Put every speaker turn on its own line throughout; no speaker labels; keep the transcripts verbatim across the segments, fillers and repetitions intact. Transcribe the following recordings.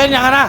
ห็นอย่างนั้นนะ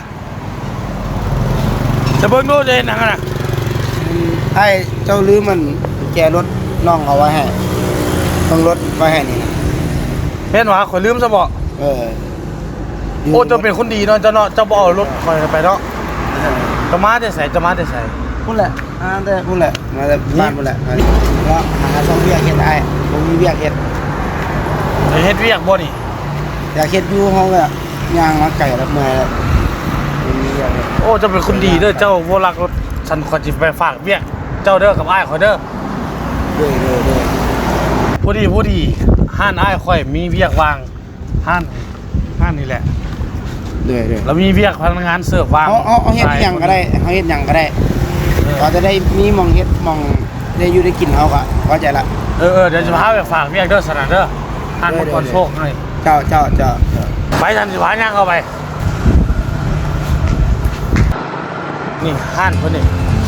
จะเบิ่งดูจะเห็นอย่างนั้นนะ
ไอ้เจ้าลืมมันแกรถน้องเอาไว้ให้ต้องรถไว้ให้นี่นะ
เห็นว่าข่อยลืมซะบ่
เออ
โอ้เจ้าเป็นคนดีเนาะเจ้าเนาะเจ้าบ่เอารถข่อยไปเนาะจะมาแต่ไสจะมาแต่ไส
พุ่นแหละอ่าแต่พุ่นแหละมาแต่บ้านพุ่นแหละแล้วหาช่องเวียกเฮ็ดไอ้บ่มีเวียกเฮ็ด
จะเฮ็ดเวียกบ่นี่
อยากเฮ็ดอยู่เฮาก็ย่างมาไก่รับเมื่อยแล้วบ่มีเวียกเฮ็ด
โอ้เจ้าเป็นคนดีเด้อเจ้าบ่รักรถฉันขอสิไปฝากเวียกเจ้าเด้อกับอ้ายข่อยเด้อ
เด้อๆๆ
ผู้ดีผู้ดีห้านอ้ายข่อยมีเวียกวางห้านห้านนี่แหละ
เด้อๆ
แล้วมีเวียกพนักงานเสิร์ฟวาง
เอาเอาเฮ็ดหยังก็ได้เฮาเฮ็ดหยังก็ได้ก็จะได้มีหม่องเฮ็ดหม่องได้อยู่ได้กินเฮาก็เข้าใจละ
เออๆเดี๋ยวจะพาไปฝากเวียกเด้อสนั่นเด้อห้านมังกรโชคหน่อย
เจ้าเจ้าเจ้า
ไปทันสิพาย่างเข้าไปนี่ห้านเพิ่นนี่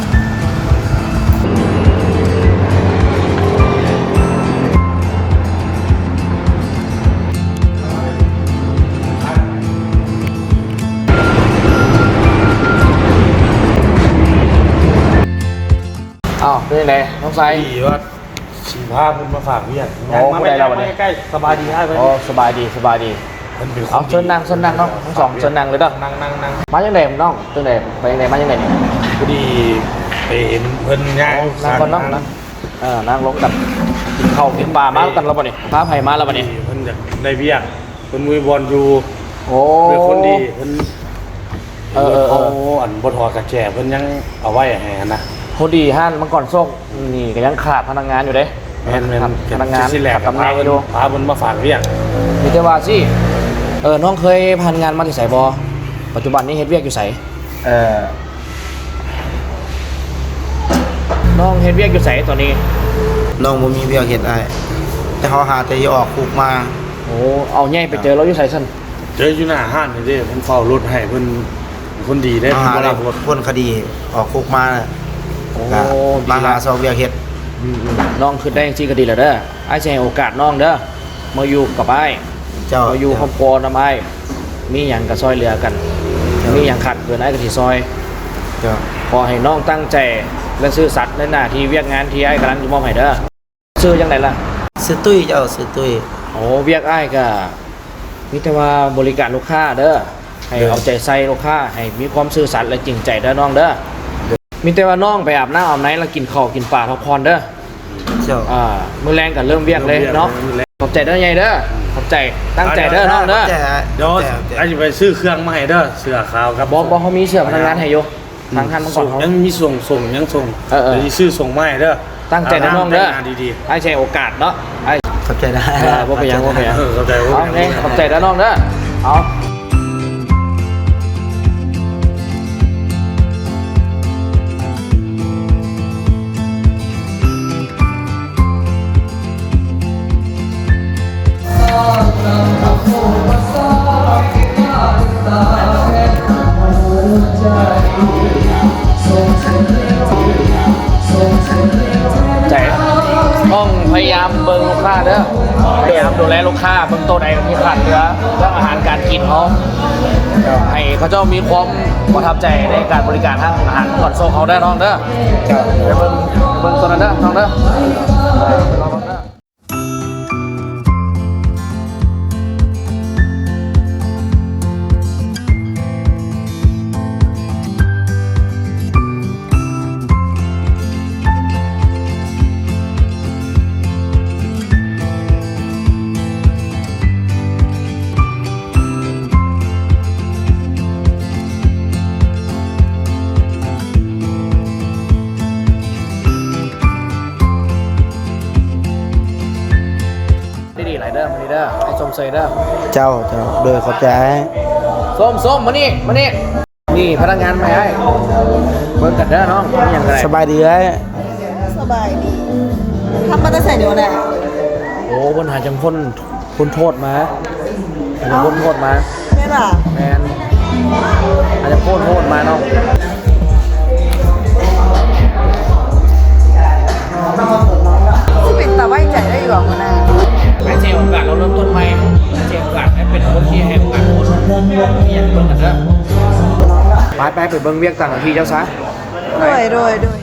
อ้าวเป็นยังไงน้องไซ
ดีว่าสีผ้าเพิ่นมาฝากเวียก
โอ้ผู้ใดเราวันนี้
ใกล้ๆสบายดีให้เพิ่น
อ๋อสบายดีสบายดีเอาเชิญนั่งเชิญนั่งน้องทั้งสองเชิญนั่งเลยเด้อ
นั่งนั่งนั่ง
มาจังไดน้องจังไดไปจังไดมาจังไดนี่
พอดีไปเห็นเพิ่นย่าง
นั่งก่อนนั่งนะเออนั่งลงกันกินข้าวกินปลามาแล้วกันแล้วบ่นี่พาไผมาแล้วบ่นี่
เพิ่นอยากได้เวียกเพิ่นมือบอลอยู่
โอ้
เป็นคนดีเพิ่น
เออเออ
อันบ่ถอดกระแจเพิ่นยังเอาไว้ให้นะ
พอดีห้านมังกรโชคนี่ก็ยังขาดพนักงานอยู่เด้
แม่น
พนักงานขับตำแหน่งอยู่
พาเพิ่นมาฝากเวียก
มีแต่ว่าสิเออน้องเคยผ่านงานมาที่ไสบ่ปัจจุบันนี้เฮ็ดเวียกอยู่ไส
เออ
น้องเฮ็ดเวียกอยู่ไสตอนนี้
น้องบ่มีเวียกเฮ็ดอ้ายแต่เฮาหาแต่ออกคุกมา
โอ้เอาใหญ่ไปเจอเราอยู่ไสซั่น
เจออยู่หน้าห้านนี่เด้เพิ่นเฝ้ารถให้เพิ่นคนดีได้
เพิ่นบ่รับพ้นคดีออกคุกมา
โอ้
มาหาซอเวียกเฮ็ด
น้องขึ้นได้จริงๆก็ดีแล้วเด้ออ้ายสิให้โอกาสน้องเด้อมาอยู่กับอ้าย
เจ้า
มาอยู่ครอบครัวนำอ้ายมีหยังก็ซอยเหลือกันมีหยังขาดเกินอ้ายก็สิซอย
เจ้า
ขอให้น้องตั้งใจและซื่อสัตย์ในหน้าที่เวียกงานที่อ้ายกำลังจะมอบให้เด้อชื่อจังไดล่ะ
ชื่อตุ้ยเจ้าชื่อตุ้ย
โอ้เวียกอ้ายก็มีแต่ว่าบริการลูกค้าเด้อให้เอาใจใส่ลูกค้าให้มีความซื่อสัตย์และจริงใจเด้อน้องเด้อมีแต่ว่าน้องไปอาบน้ำอาบไหนแล้วกินข้าวกินปลาพักผ่อนเด้อ
เจ้า
อ่ามื้อแรงก็เริ่มเวียกเลยเนาะขอบใจเด้อใหญ่เด้อขอบใจตั้งใจเด้อน้องเด้อ
เดี๋ยวไอ้จะไปซื้อเครื่องมาให้เด้อเสื้อขาวครับ
บ่บ่เขามีเสื้อพนักงานให้อยู่ทางท่านมังกร
ยังมีส่งส่งยังส่ง
เออ
ๆสิซื้อส่งมาให้เด้อ
ตั้งใจเด้อน้องเด้อ
ดี
ๆให้ใช้โอกาสเนาะไอ้
ขอบใจได้
บ่เป็นหยังบ่เป็นหยัง
เออเข้าใจบ่
เอาไงขอบใจเด้อน้องเด้อเอาใจต้องพยายามเบิ่งลูกค้าเด้อพยายามดูแลลูกค้าเบิ่งโต๊ะใดที่ขาดเหลือเรื่องอาหารการกินเขาให้เขาเจ้ามีความประทับใจในการบริการทางอาหารก่อนโซ่เขาได้น้องเด้อไปเบิ่งเบิ่งตัวนั้นเด้อน้องเด้อรอเบิ่งเด้อดีหลายเด้อมานี่เด้อไอ้ส้มเซยเด้อ
เจ้าเจ้าโดยขอบใจ
ส้มส้มมานี่มานี่นี่พนักงานมาให้เบิ่งกันเด้อน้องนี่อย่างไร
สบายดีไหม
สบายดีทำมาตั้งแต่เดี๋ยวแหละ
โอ้คนหาจังพ้นพ้นโทษมาหาจังพ้นโทษมา
แม่ล่ะ
แมนหาจังพ้นโทษมาน้อง
ที่เป็นตาไว้ใจได้อยู่หรอคุณอา
ให้เจโอกาสเราเริ่มต้นใหม่ให้เจโอกาสให้เป็นคนที่ให้โอกาสคนที่อยากเบิ่งกันเด้อไปเบิ่งเวียกต่างกับพี่เจ้าซะ
โดยโดยโดย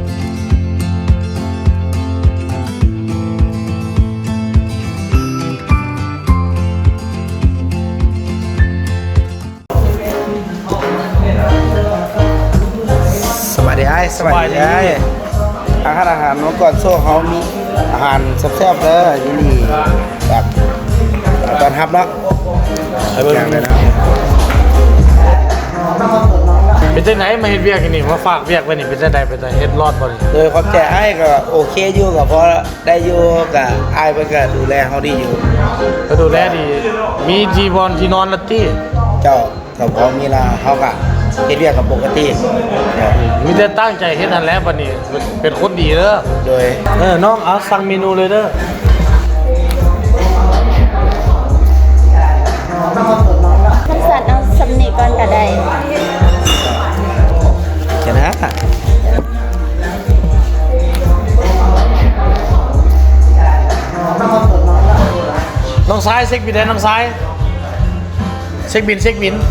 สวัสดีไอ้สวัสดีไอ้อาหารอาหารเมื่อก่อนโซ่เขามีอาหารแซ่บๆเลยนี่นี่แบบตอนทับเนาะ
ไอ้เบิ่ง
อย่างเลยนะ
เป็นจังไหนมาเฮ็ดเวียกนี่มาฝากเวียกไว้นี่เป็นจังไดเป็นจังเฮ็ดรอดบ่นี่
โดยความใจไอ้ก็โอเคอยู่กับเพราะได้อยู่กับไอ้เพิ่นก็ดูแลเขาดีอยู่
ก็ดูแลดีมีที่บอลที่นอนละติ
เจ้ากับเขามีลาเขาก็เฮ็ดเรียกกับปกติเดี๋ยว
มีแต่ตั้งใจเฮ็ดนั่นแหละบัดนี้เป็นคนดีเด้อ
โดย
เออน้องเอาสั่งเมนูเลยเด้อ
ขั้นสัตว์เอาสำนีก่อนก็ได้
ชนะ
น้องซ้ายเช็คบินได้น้องซ้ายเช็คบินเช็คบิน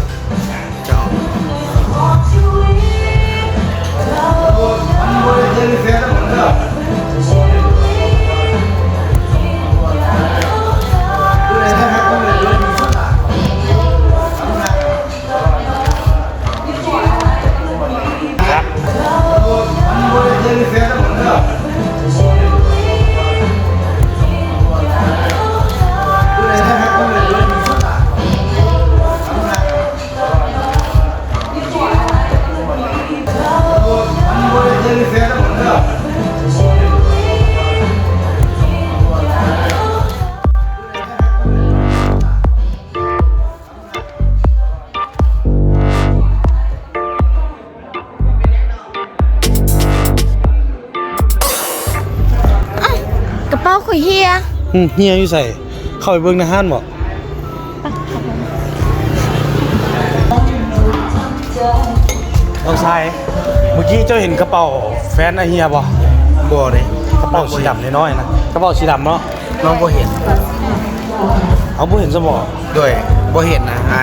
กระเป๋าข่อยเฮีย
อืมเฮียอยู่ใส่เข้าไปเบิ่งในห้านบ่น้องซ้ายเมื่อกี้เจ้าเห็นกระเป๋าแฟนไอเฮียบ่
บ่เลย
กระเป๋าสีดำน้อยๆนะกระเป๋าสีดำเนาะ
น้องบ่เห็น
เอาบ่เห็นซะบ่
โดยบ่เห็นนะไอ้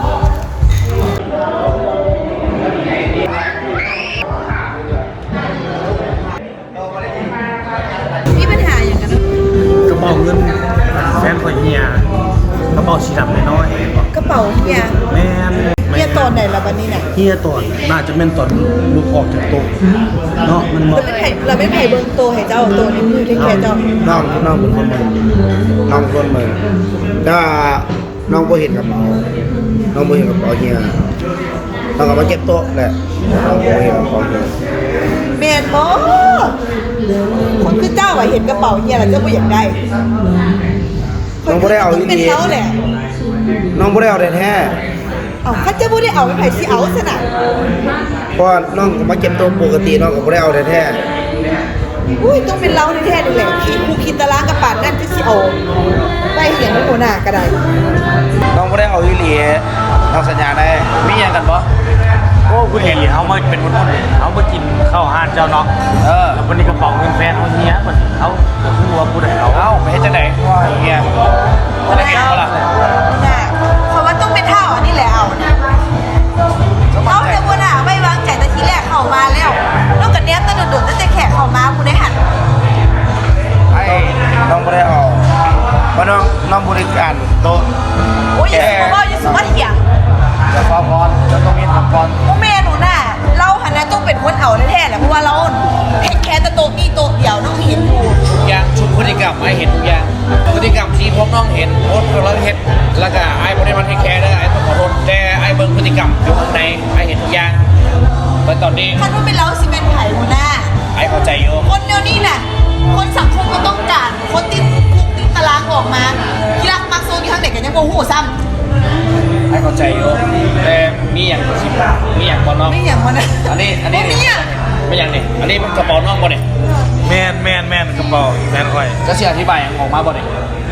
มีปัญหาอย่างกันนะ
กระเป๋าเงินแฟนของเฮียกระเป๋าสีดำน้อยๆบ่
กระเป๋าเฮีย
แม่น
เฮียตอนไหนละบันนี้น่ะ
เฮียตอนน่าจะแม่นตอนลูกออกจากโต๊ะเนาะมันบ่
เราไม่ไผ่เราไม่ไผ่เบิ่งโตให้เจ้าโตนี่คือที่แค่เจ้า
น้องน้องเป็นคนเมืองน้องเป็นคนเมืองถ้าน้องบ่เห็นกระเป๋าน้องบ่เห็นกระเป๋าเฮียน้องก็มาเก็บโต๊ะแหละน้องบ่เห็นกระเป๋าเฮีย
แม่นบ่คนคือเจ้าอะเห็นกระเป๋าเฮียแล้วเจ้าบ่อยากได้
น้องบ่ได้เอาอี
เป็น
หลี
เขาแหละ
น้องบ่ได้เอาแท้
เอาถ้าเจ้าบ่ได้เอาไปไผ่สิเอาซะน่ะ
ๆเพราะว่าน้องก็มาเก็บโต๊ะปกติน้องก็บ่ได้เอาแท้
อุ้ยต้องเป็นเราแท้ๆนี่แหละขี้คูคิดตารางกับปานนั่นจะสิเอาไปเห็นหัวหน้าก็ได้
ๆน้องบ่ได้เอาอีหลีน้องสัญญาได้
มีหยังกันบ่
โอ้คุณเห็นเขามาเป็นคนคนเขามากินข้าวห้านเจ้าเนาะ
เออ
แล้ววันนี้กระเป๋าเงินแฟนเขาเฮียมันเขาจะพูดว่าพูดให้เขา
เอ้าไปเฮ็ดจังได๋ว่าเฮียจะได้เห็นบ่ล่ะ
น่ะเพราะว่าต้องเป็นเท่าอันนี้แหละเอานะเอาแต่หัวหน้าไม่วางใจแต่ทีแรกเข้ามาแล้วนอกจากเนี้ยตั้งโดดๆตั้งแต่แขกเข้ามาผู้ได้หัน
ไอ้น้องบ่ได้เอาเพราะน้องน้องบริการโต๊ะ
โอ้ยอย่าสูบอย่าสูบเถียง
จะฟ้องก่อนจะต้องมีทำก่อน
พวกแม่หนูน่ะเราหันนะต้องเป็นคนเอาแท้ๆแหละเพราะว่าเราเห็นแค่แต่โต๊ะนี่โต๊ะเดียวน้องเห็นอยู่
ทุกอย่างชุดพฤติกรรมไอ้เห็นทุกอย่างพฤติกรรมที่พวกน้องเห็นโพสต์เราเห็นแล้วก็ไอ้บ่ได้มาเทคแคร์เด้อไอ้ต้องขอโทษแต่ไอ้เบิ่งพฤติกรรมอยู่ข้างในไอ้เห็นทุกอย่างแต่ตอนนี้
คันว่าเป็นเราสิเป็นไผ่หัวหน้า
ไอ้เข้าใจอยู่
คนเดียวนี่น่ะคนสังคมก็ต้องการคนติดคุกติดตารางออกมาที่รักมักโซนที่ข้างเด็กกันยังโมโหซ้ำ
ไอ้เข้าใจอยู่แต่มีอย่างสิมีอย่างบ่น้อง
ไม่อย่างมันนะ
อันนี้อันนี้
บ่มีอ่ะ
ไม่อย่างนี่อันนี้มันกระเป๋าน้องบ่เนี่ย
แมนแมนแมนกระเป๋าแฟนคอย
จะเสียอธิบายอย่างออกมาบ่เนี่ย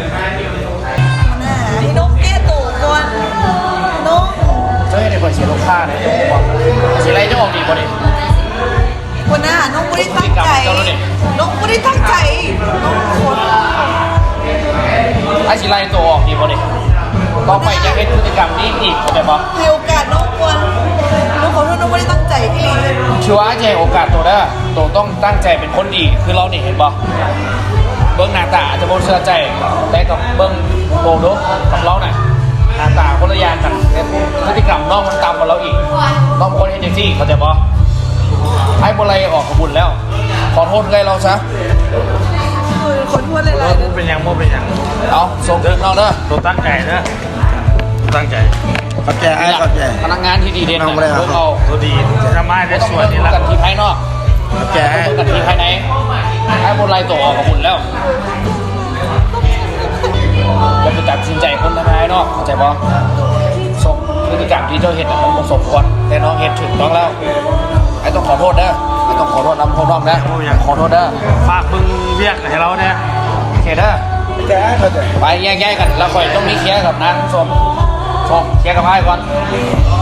ให้นกแก้ตัวก่อนนก
เจ้าให้ได้คอยเสียลูกค้าเนี่ยจะบอกว่าสิไรจะออกดีบ่เนี่ย
คนหน้านกไม่ได้ตั้งใจนกไม่ได้ตั้งใจนกคน
ไอ้สิไรตัวออกดีบ่เนี่ยต่อไปจะเห็นพฤติกรรมนี้อีกเข้าใจบ่
ให้โอกาสนกก่อนนกขอโทษนกไม่ได้ตั้งพี่ลี
ชัวร์ใจโอกาสตัวเด้อตัวต้องตั้งใจเป็นคนดีคือเราเนี่ยเห็นบ่เบิ้งหน้าตาอาจจะบ่เชื่อใจแต่กับเบิ้งโตดูกับเราน่ะหน้าตาคนละอย่างกันแต่พฤติกรรมน้องมันต่ำกว่าเราอีกน้องเป็นคนเฮนเจซี่เข้าใจบ่ให้บริออกกระบุญแล้ว ขอโทษเลยเราซะ
คนพูดอะไร
โมเป็นหยังโมเป็นหยัง
เอาส่งถึงเราเด้อ
ตัวตั้งใจเด้อตั้งใจ
ขอบใจไอ้ขอบใจ
พนักงานที่ดีเด่น
น้องบ่ได้
พวกเรา
ตัวดีจะมาได้ส่วนนี้ละ
กันที่ภายนอก
ขอบใจไอ้
กันที่ภายในให้บริตัวออกกระบุญแล้วอย่าไปตัดสินใจคนภายนอกเข้าใจบ่ส่งพฤติกรรมที่เจ้าเห็นมันบ่สมควรแต่น้องเห็นถูกต้องแล้วไอ้ต้องขอโทษเด้อไอ้ต้องขอโทษนำพวกน้องนะขอโทษเด้อ
ฝากมึงเรียกให้เราเนี่ย
โอเคเด้อ
ขอบใจไอ้ขอบใจ
ไปแยกๆกันแล้วค่อยต้องมีเคลียร์กับนางสมสมเคลียร์กับไอ้ก่อน
ข